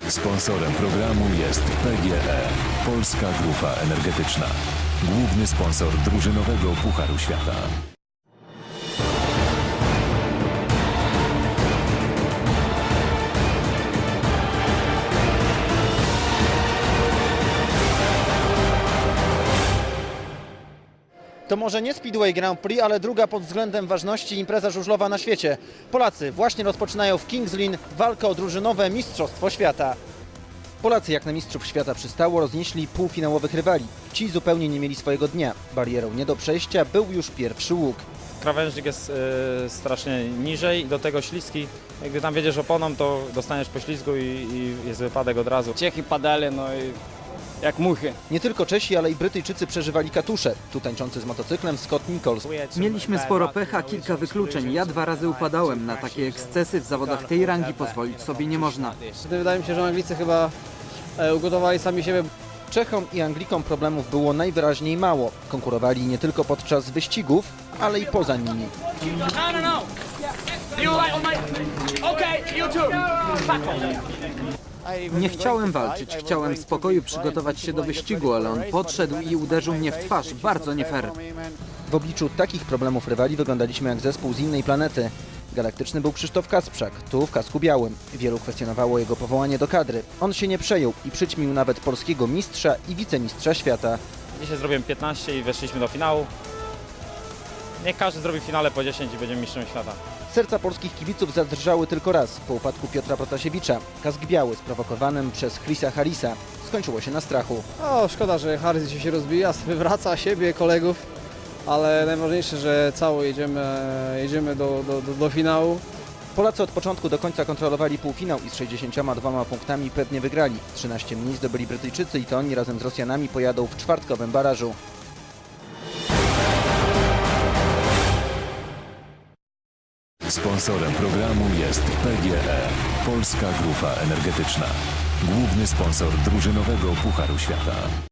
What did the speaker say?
Sponsorem programu jest PGE, Polska Grupa Energetyczna. Główny sponsor drużynowego Pucharu Świata. To może nie Speedway Grand Prix, ale druga pod względem ważności impreza żużlowa na świecie. Polacy właśnie rozpoczynają w Kings Lynn walkę o drużynowe Mistrzostwo Świata. Polacy, jak na mistrzów świata przystało, roznieśli półfinałowych rywali. Ci zupełnie nie mieli swojego dnia. Barierą nie do przejścia był już pierwszy łuk. Krawężnik jest strasznie niżej i do tego śliski. Jak gdy tam wiedziesz oponą, to dostaniesz poślizgu i jest wypadek od razu. Czechy padali, no i jak muchy. Nie tylko Czesi, ale i Brytyjczycy przeżywali katusze. Tu tańczący z motocyklem Scott Nichols. Mieliśmy sporo pecha, kilka wykluczeń. Ja 2 razy upadałem. Na takie ekscesy w zawodach tej rangi pozwolić sobie nie można. Wydaje mi się, że Anglicy chyba ugotowali sami siebie. Czechom i Anglikom problemów było najwyraźniej mało. Konkurowali nie tylko podczas wyścigów, ale i poza nimi. Nie chciałem walczyć, chciałem w spokoju przygotować się do wyścigu, ale on podszedł i uderzył mnie w twarz. Bardzo nie fair. W obliczu takich problemów rywali wyglądaliśmy jak zespół z innej planety. Galaktyczny był Krzysztof Kasprzak, tu w kasku białym. Wielu kwestionowało jego powołanie do kadry. On się nie przejął i przyćmił nawet polskiego mistrza i wicemistrza świata. Dzisiaj zrobiłem 15 i weszliśmy do finału. Niech każdy zrobi w finale po 10 i będziemy mistrzem świata. Serca polskich kibiców zadrżały tylko raz, po upadku Piotra Protasiewicza. Kask biały sprowokowanym przez Chrisa Harrisa skończyło się na strachu. O, szkoda, że Harris się rozbija, wywraca siebie, kolegów, ale najważniejsze, że cało jedziemy do finału. Polacy od początku do końca kontrolowali półfinał i z 62 punktami pewnie wygrali. 13 mniej zdobyli Brytyjczycy i to oni razem z Rosjanami pojadą w czwartkowym barażu. Sponsorem programu jest PGE, Polska Grupa Energetyczna. Główny sponsor drużynowego Pucharu Świata.